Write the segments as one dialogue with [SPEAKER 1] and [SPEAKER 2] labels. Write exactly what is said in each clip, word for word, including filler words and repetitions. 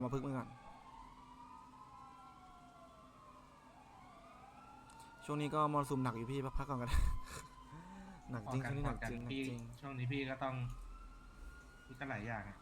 [SPEAKER 1] มาพึ่งมือก่อนช่วงนี้ก็มรสุมหนักอยู่พี่พักก่อนกัน หนักจริงช่วงนี้หนักจริงหนักจริง
[SPEAKER 2] ช่วงนี้พี่ก็ต้องพี่ก็หลายอย่าง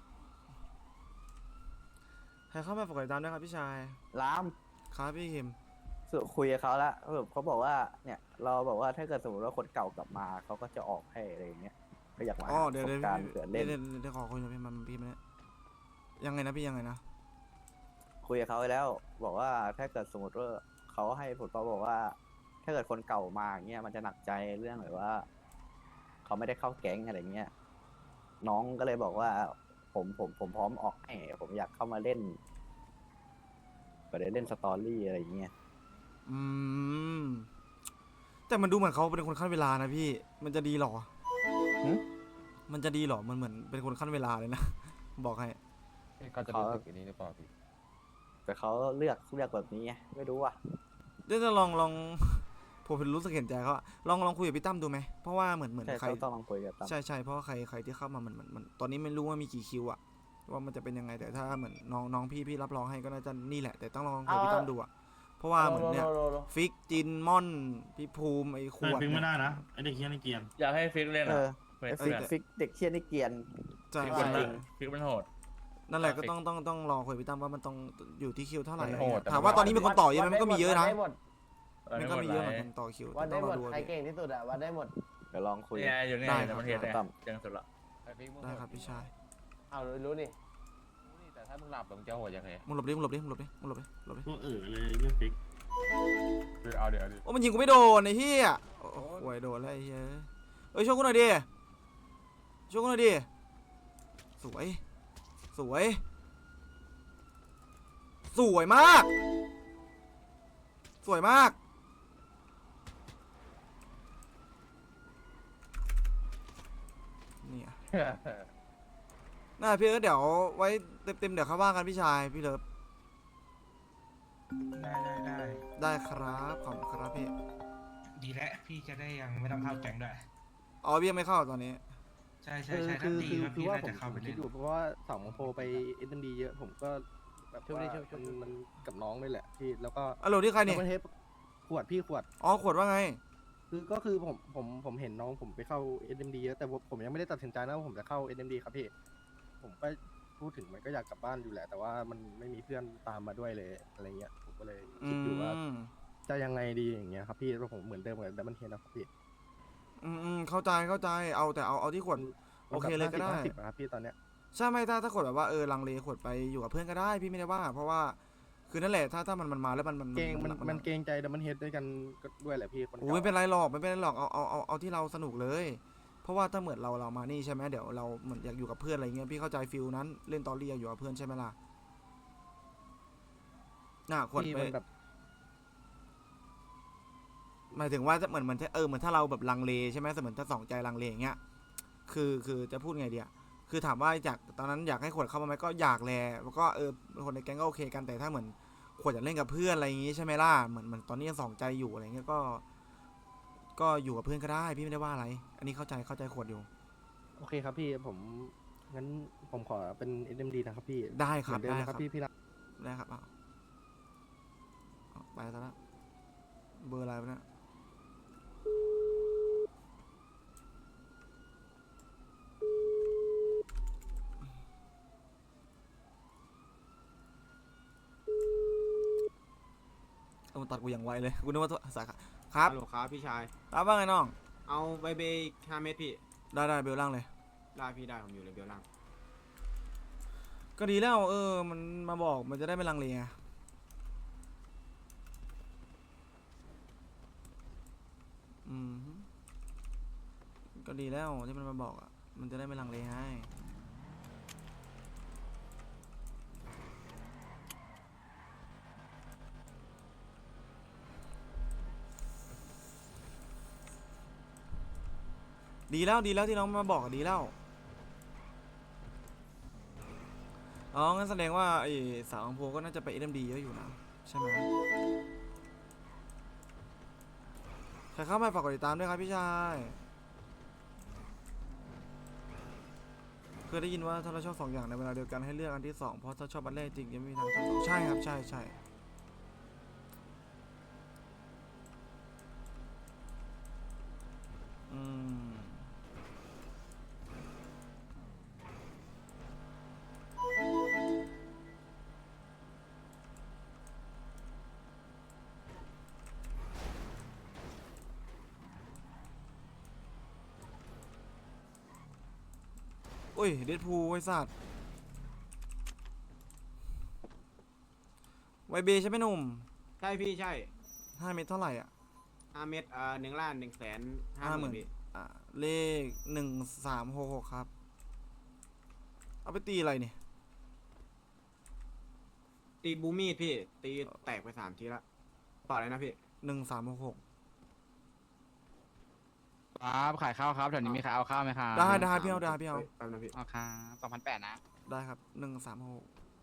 [SPEAKER 1] ใครเข้ามาปกติตามด้วยครับพี่ชาย
[SPEAKER 3] ลาม
[SPEAKER 1] ครับพี่หิม
[SPEAKER 3] สุคุยกับเขาแล้วแบบเขาบอกว่าเนี่ยเราบอกว่าถ้าเกิดสมมติว่าคนเก่ากลับมาเขาก็จะออกให้อะไรอย่างเงี้ยก็อยากมา
[SPEAKER 1] อ๋อเดี๋ยว
[SPEAKER 3] ประส
[SPEAKER 1] เดี๋ยว
[SPEAKER 3] บการณ์เผื่อเล่น
[SPEAKER 1] เดี๋ยวเดี๋ยวขอคุยหน่อยพี่มันพี่มันยังไงนะพี่ยังไงนะ
[SPEAKER 3] คุยกับเขาไปแล้ว บอกว่าถ้าเกิดสมมติว่าเขาให้ผลเขาบอกว่า ถ้าเกิดคนเก่ามาเงี้ยมันจะหนักใจเรื่องแบบว่าเขาไม่ได้เข้าแก๊งอะไรเงี้ยน้องก็เลยบอกว่า ผมผมผมพร้อมออกให้ผมอยากเข้ามาเล่นก็ได้เล่นสตอรี่อะไรอย่างเงี้ย
[SPEAKER 1] อืมแต่มันดูเหมือนเขาเป็นคนขั้นเวลานะพี่มันจะดีหรอ
[SPEAKER 3] หึ
[SPEAKER 1] มันจะดีหรอมันเหมือนเป็นคนขั้นเวลาเลยนะ บอกให้
[SPEAKER 4] เขาจะรู้สึกอย่างนี้หรือเปล่าพี่
[SPEAKER 3] แต่เขาเลือกเลือกแบบนี้ไงไม่รู้อ่ะ
[SPEAKER 1] เดี๋ยวจะลองลอง ผมรู้สึกเห็นใจเขาอะลองลองคุยกับพี่ตั้มดูไหมเพราะว่าเหมือนเหมือน
[SPEAKER 3] ใช่
[SPEAKER 1] ใคร
[SPEAKER 3] ต้องต้องลองคุยกับตั้ม
[SPEAKER 1] ใช่ใช่เพราะว่าใครใครที่เข้ามาเหมือนเหมือนมันตอนนี้ไม่รู้ว่ามีกี่คิวอะว่ามันจะเป็นยังไงแต่ถ้าเหมือนน้องน้องพี่พี่รับรองให้ก็น่าจะนี่แหละแต่ต้องลองคุยกับพี่ตั้มดูอะเพราะว่าเหมือนเนี่ยฟิกจินม่อนพี่ภูมิไอ้ขวด
[SPEAKER 2] ฟิกไม่
[SPEAKER 1] เนี่ย
[SPEAKER 2] ได้นะไอเด็กเฮี้ยนไอเกียน
[SPEAKER 5] อยากให้ฟิกเล่น
[SPEAKER 3] เอ
[SPEAKER 5] อ่ะ
[SPEAKER 3] อ
[SPEAKER 5] เพื่อน
[SPEAKER 3] ไอ้ฟิก
[SPEAKER 5] เพื่อน
[SPEAKER 3] ฟิกเด็กเชียนนี่เกรียน
[SPEAKER 1] ใช่
[SPEAKER 5] ฟิก
[SPEAKER 1] ใช่
[SPEAKER 5] มันน่ะฟิกมันโหด
[SPEAKER 1] นั่นแหละก็ต้องต้องต้องรอคุยกับพี่ตั้มว่ามันต้องอยู่ที่คิวเท่าไหร่
[SPEAKER 5] มันโหดแต่
[SPEAKER 1] ถามว่าตอนนี้มีคนต่อเยอะไหมมันก็มีเยอะนะ
[SPEAKER 6] วัดได้หมด
[SPEAKER 1] มันก็มีเยอะเหมือนกันต่อคิว
[SPEAKER 6] วัด
[SPEAKER 1] แต่ต้
[SPEAKER 6] ได้
[SPEAKER 1] อง
[SPEAKER 6] ห
[SPEAKER 1] ร
[SPEAKER 6] ม
[SPEAKER 1] อ
[SPEAKER 6] ด
[SPEAKER 1] ดู
[SPEAKER 6] ใครเก่งที่สุดอะวัดได้หมด
[SPEAKER 3] เดี๋ยวลองคุย
[SPEAKER 5] เนี่ยอยู่เนี่ย
[SPEAKER 1] ได้
[SPEAKER 5] ในประเทศเนี่ย
[SPEAKER 3] ครับ
[SPEAKER 5] เก่งสุดละ
[SPEAKER 4] ไอ้ฟิกมึง
[SPEAKER 1] ได้ครับพี่ชาย
[SPEAKER 6] เอารู้นี่
[SPEAKER 4] แต่ถ้ามึงหลับมึงจะโหดยังไง
[SPEAKER 1] มึงหลบดิมึงหลบดิมึงหลบดิมึงหลบดิหลบดิ
[SPEAKER 2] พวกเออเลยเรื่องฟิก
[SPEAKER 4] คือเอาเดี๋ยวดิ
[SPEAKER 1] โอ้มันยิงกูไม่โดนไอ้เหี้ยโอ้โหโดนแล้วไอ้เหี้ยเอ้ยช่วยกูหน่อยดิช่วยกูหน่อยดิสวยสวยสวยมากสวยมากเนี่ยน่าพี่เดี๋ยวไว้เต็มๆเดี๋ยวเขาว่ากันพี่ชายพี่เลิฟ
[SPEAKER 2] ได้ได้ได้
[SPEAKER 1] ได้ครับขอบคุณครับพี่
[SPEAKER 2] ดีแล้วพี่จะได้ยังไม่ต้องเข้าแก๊งด้วย
[SPEAKER 1] อ๋อพี่ยังไม่เข้าตอนนี้
[SPEAKER 2] ใช่ใช่
[SPEAKER 7] คือ
[SPEAKER 2] ใช่
[SPEAKER 7] คื
[SPEAKER 2] ถ้า
[SPEAKER 7] อ
[SPEAKER 2] ดี
[SPEAKER 7] คือ
[SPEAKER 2] ว่า
[SPEAKER 7] คือ
[SPEAKER 2] พี่
[SPEAKER 7] ว่า
[SPEAKER 2] น่า
[SPEAKER 7] ผม
[SPEAKER 2] จะเข้า
[SPEAKER 7] ผ
[SPEAKER 2] ไป
[SPEAKER 7] ม
[SPEAKER 2] เล่
[SPEAKER 7] คิด
[SPEAKER 2] น
[SPEAKER 7] อยู่เพราะว่าสองโมโพไปเอ็นดีเยอะผมก็แบบว่ามันมันกับน้องเลยแหละพี่แล้วก็
[SPEAKER 1] อัลโหลที่ใคร
[SPEAKER 7] แล้
[SPEAKER 1] เนี่
[SPEAKER 7] วย ประเทศขวดพี่ขวด
[SPEAKER 1] อ๋อขวดว่าไง
[SPEAKER 7] คือก็คือผมผมผมเห็นน้องผมไปเข้า เอ็น เอ็ม ดี เยอะแต่ผมผมยังไม่ได้ตัดสินใจนะว่าผมจะเข้า เอ็น เอ็ม ดี ครับพี่ผมก็พูดถึงมันก็อยากกลับบ้านอยู่แหละ แต่ว่ามันไม่มีเพื่อนตามมาด้วยเลยอะไรเงี้ยผมก็เลย
[SPEAKER 1] อื
[SPEAKER 7] คิดอยู่ว่า
[SPEAKER 1] ม
[SPEAKER 7] จะยังไงดีอย่างเงี้ยครับพี่แล้วผมเหมือนเดิมกับดับเบิลเฮดนะครับพี่
[SPEAKER 1] อืมอืมเข้าใจเข้าใจเอาแต่เอาเอาที่ขวด โอเคเลยก็ได้
[SPEAKER 7] ห้าสิบครับพี่ตอนเนี้ย
[SPEAKER 1] ใช่ไหมถ้าถ้าขวดแบบว่าเออลังเลขวดไปอยู่กับเพื่อนก็ได้พี่ไม่ได้ว่า เพราะว่าคือนั่นแหละถ้าถ้ามันมันมาแล้วมันมัน
[SPEAKER 7] เกรงมันมันเกรงใจดับเบิลเฮดด้วยกันก็ด้วยแหละพี่คน
[SPEAKER 1] โอ้ยไม่เป็นไรหรอกไม่เป็นไรหรอกเอาเอาเอาเอาที่เราสนุกเลย เพราะว่าถ้าเหมือนเราเรามานี่ใช่ไหมเดี๋ยวเราเหมือนอยากอยู่กับเพื่อนอะไรเงี้ยพี่เข้าใจฟิลนั้นเล่นตอรี่อยู่กับเพื่อนใช่ไหมล่ะน่ะขวด
[SPEAKER 7] พี่
[SPEAKER 1] ไป
[SPEAKER 7] มันแบบ
[SPEAKER 1] หมายถึงว่าเหมือนเหมือนเออเหมือนถ้าเราแบบลังเลใช่ไหมเหมือนถ้าสองใจลังเลอย่างเงี้ยคือคือจะพูดไงเดียคือถามว่าอยากตอนนั้นอยากให้ขวดเข้ามาไหมก็อยากแลแล้วก็เออคนในแก๊งก็โอเคกันแต่ถ้าเหมือนขวดอยากเล่นกับเพื่อนอะไรอย่างงี้ใช่ไหมล่ะเหมือนเหมือนตอนนี้ยังสองใจอยู่อะไรเงี้ยก็ก็อยู่กับเพื่อนก็ได้พี่ไม่ได้ว่าอะไร อันนี้เข้าใจเข้าใจขวดอยู่
[SPEAKER 7] โอเคครับพี่ผมงั้นผมขอเป็น เอ็น เอ็ม ดี นะครับพี่
[SPEAKER 1] ได้ครับ
[SPEAKER 7] เหมือนเดิม
[SPEAKER 1] ได้
[SPEAKER 7] นะ
[SPEAKER 1] ค
[SPEAKER 7] ค
[SPEAKER 1] รั
[SPEAKER 7] รั
[SPEAKER 1] บบ
[SPEAKER 7] พี่พี่รัก
[SPEAKER 1] ได้ครับเอาเอาไปซะแล้วเบอร์อะไรวะเนี่ยเอามาตัดกูอย่างไวเลยกูนึกว่าสาขาครับ
[SPEAKER 8] ฮัลโหลครับพี่ชาย
[SPEAKER 1] รับว่าไงน้อง
[SPEAKER 8] เอาใบเบย์ห้าเม็ดพี่
[SPEAKER 1] ได้ได้เบลล่างเลย
[SPEAKER 8] ได้พี่ได้ผมอยู่ในเบลล่าง
[SPEAKER 1] ก็ดีแล้วเออมันมาบอกมันจะได้ไม่ลังเลไงอืมฮึก็ดีแล้วที่มันมาบอกอ่ะมันจะได้ไม่ลังเลให้ดีแล้วดีแล้วที่น้องมาบอกอะดีแล้วอ๋องั้นแสดงว่าไอ้สาวอังโพก็น่าจะไปเอ็มดีเยอะอยู่นะใช่ไหมใครเข้ามาฝากกดติดตามด้วยครับพี่ชายเคยได้ยินว่าถ้าเราชอบสองอย่างในเวลาเดียวกันให้เลือกอันที่สองเพราะถ้าชอบอันแรกจริงจะไม่มีทางชอบสองใช่ครับใช่ใช่อืมโอ้ยเดดพูลไอ้สัตว์ไวเบใช่ไหมหนุ่ม
[SPEAKER 8] ใช่พี่ใช่
[SPEAKER 1] ห้าเมตรเท่าไหร่อ่ะ
[SPEAKER 8] ห้าเม็ดอ่าหนึ่งล้านหนึ่งแสนห้า
[SPEAKER 1] ห้า
[SPEAKER 8] ห
[SPEAKER 1] หมื่
[SPEAKER 8] มื่
[SPEAKER 1] น
[SPEAKER 8] นพี่
[SPEAKER 1] อ่าเลขหนึ่งสามหกหกครับ เอาไปตีอะไรเนี่ย
[SPEAKER 8] ตีบูมี่พี่ ตีแตกไปสามทีละต่ออะไรนะพี่
[SPEAKER 1] หนึ่งสามหกหก
[SPEAKER 5] ครับขายข้าวครับแถวนี้มีใครเอาข้าวไหมครับ
[SPEAKER 1] ได้ได้พี่เอาได้พี่เอา
[SPEAKER 8] ฮ้ยแป๊บนะพี่
[SPEAKER 5] เอาครับสองพันแปดนะ
[SPEAKER 1] ได้ครับหนึ่งสามหก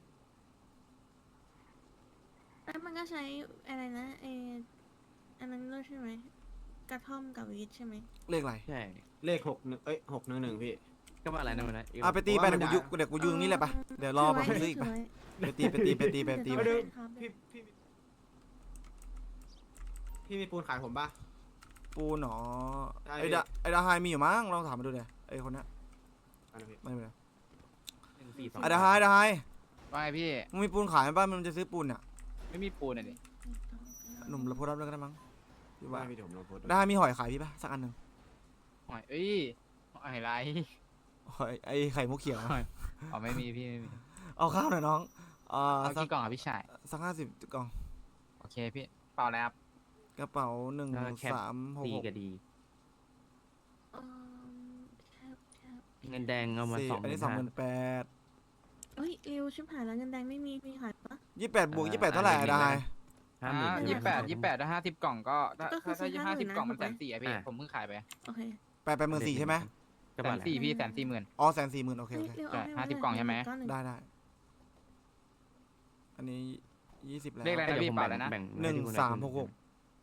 [SPEAKER 9] แล้วมันก็ใช้อะไรนะเอออันนั้นด้วยใช่ไหมกระท่อมกับวีดใช่ไหม
[SPEAKER 1] เลขอะไร
[SPEAKER 5] ใช่
[SPEAKER 8] เลขหกหนึ่งเอ้ยหกหนึ่งหนึ่งพี่
[SPEAKER 5] ก็ว่าอะไรนะมันนะ
[SPEAKER 1] อ่ะไปตีไป
[SPEAKER 8] ว่า
[SPEAKER 1] เดี๋ยว
[SPEAKER 8] มัน
[SPEAKER 1] กูยุ
[SPEAKER 8] ด่า
[SPEAKER 1] เดี๋ยวกูยืนตรงนี้แหละปะเดี๋ยวรอไปซื้ออีกปะไปตีไปตีไปตีไปตี
[SPEAKER 9] ไป
[SPEAKER 1] ไป
[SPEAKER 8] พี่พี่พี่มีปูนขายผมปะ
[SPEAKER 1] ปูหนอ
[SPEAKER 8] ได้
[SPEAKER 1] ไอ้ดาไอ้ดาไฮมีอยู่มั้งลองถามมาดูเดี๋ยวไอ้คนเนี้ย
[SPEAKER 8] อันนั้นพี่
[SPEAKER 1] ไม่เป็นไร
[SPEAKER 5] หนึ่งสี่สอง
[SPEAKER 1] ไอ้ดาไฮดาไฮ
[SPEAKER 5] ว่าไงพี่
[SPEAKER 1] มึงมีปูนขายไหมบ้านมันจะซื้อปูนเนี่ย
[SPEAKER 5] ไม่มีปูนอ่ะดิ
[SPEAKER 1] หนุ่มเราโพสต์รับเรื่องก็ได้มั้งพี่ว่า
[SPEAKER 8] ว่าพี่เดี๋ยวผมลองโพสต์ดู
[SPEAKER 1] ดาไฮมีหอยขายพี่ปะสักอันหนึ่ง
[SPEAKER 5] หอยเอ้ยหอยไร
[SPEAKER 1] หอยไอ้ไข่มุกเขียว
[SPEAKER 5] หอยอ๋อไม่มีพี่ไม่มี
[SPEAKER 1] เอาข้าวหน่อยน้องอ่า
[SPEAKER 5] เอา
[SPEAKER 1] สัก
[SPEAKER 5] กี่กล่องอ่ะพี่ชาย
[SPEAKER 1] สักห้าสิบกล่อง
[SPEAKER 5] โอเคพี่เปล่าแล้วครับ
[SPEAKER 1] กระเป๋าหนึ่ง
[SPEAKER 5] เออแคป
[SPEAKER 1] สามหก
[SPEAKER 5] ดี
[SPEAKER 1] หก
[SPEAKER 5] ก็ดี
[SPEAKER 9] อืมแคบแคบ
[SPEAKER 5] เงินแดงเอามา
[SPEAKER 1] สี่
[SPEAKER 5] สอง
[SPEAKER 1] อันนี้สองหมื่นแปด
[SPEAKER 9] เอ้ยเร็วชิบหายแล้วเงินแดงไม่มีมีขายปะ
[SPEAKER 1] ยี่แปดบวกยี่แปดเท่าไหร่อะได้
[SPEAKER 5] อ่ายี่แปดยี่แปดถ้าห้าสิบกล่องก็ถ้า
[SPEAKER 9] ก็คือ
[SPEAKER 5] ถ้า
[SPEAKER 9] ซื้อ
[SPEAKER 5] ห้าสิบ
[SPEAKER 9] 50,000
[SPEAKER 5] กล่องมัน
[SPEAKER 9] นะ
[SPEAKER 5] แสนสี่อะพี่
[SPEAKER 2] อ่ะ
[SPEAKER 5] ผมเพิ่งขายไป
[SPEAKER 9] โอเค
[SPEAKER 1] แปดแปดหมื่นสี่ใช่ไหม
[SPEAKER 5] แสนสี่พี่แสนสี่หมื่น
[SPEAKER 1] อ๋อแสนสี่หมื่นโอเค
[SPEAKER 9] เฮ้
[SPEAKER 1] โอย เค
[SPEAKER 9] เร็ว
[SPEAKER 5] ใช่
[SPEAKER 9] เอาให้
[SPEAKER 5] ห้าสิบ
[SPEAKER 9] น
[SPEAKER 5] กล่องใช่ไหม
[SPEAKER 9] ก้อนนึ่ง
[SPEAKER 1] ได้ได้อันนี้ยี่สิบแล้ว
[SPEAKER 5] เลขอะไรนะพี่เปล่าแล้วนะ
[SPEAKER 1] หนึ่งสามหกหก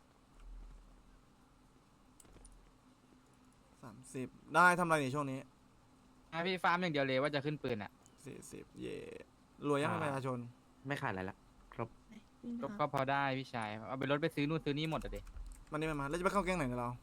[SPEAKER 1] สามสิบได้ทำอะไรในช่วงนี้
[SPEAKER 5] อ่ะพี่ฟาร์มอย่างเดียวเลยว่าจะขึ้นปืนอ่ะ
[SPEAKER 1] สี่สิบเย่รวยยังเป็นประชาชน
[SPEAKER 5] ไม่ขาดอะไรละ
[SPEAKER 9] วิ่งไป
[SPEAKER 5] ก็
[SPEAKER 9] ครับ
[SPEAKER 5] ก็พอได้พี่ชายเอาไปรถไปซื้อนู่นซื้อนี่หมดอ่ะเด็
[SPEAKER 1] มันนี่มันมาแล้วจะไปเข้าแก๊งไหนเนี่ยเรา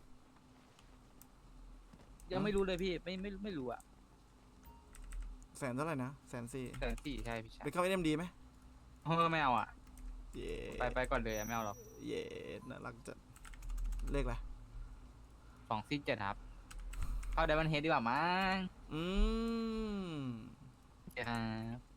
[SPEAKER 5] ยังไม่รู้เลยพี่ไม่ไม่ไม่รู้อ่ะ
[SPEAKER 1] แสนเท่าไหร่นะแสนสี่
[SPEAKER 5] แสนสี่ใช่พี่ชาย
[SPEAKER 1] ไปเข้าเอ็มดีไหม
[SPEAKER 5] เออไม่เอาอ่ะ
[SPEAKER 1] เย่
[SPEAKER 5] ไปไปก่อนเลยอะไม่เอาหรอก
[SPEAKER 1] เย่น่ารักจัดเลขอะไร
[SPEAKER 5] สองซีเจ็ดครับ เข้าไดมอนเฮดดีกว่ามั้ง
[SPEAKER 1] อืม
[SPEAKER 5] เจ็ดครับ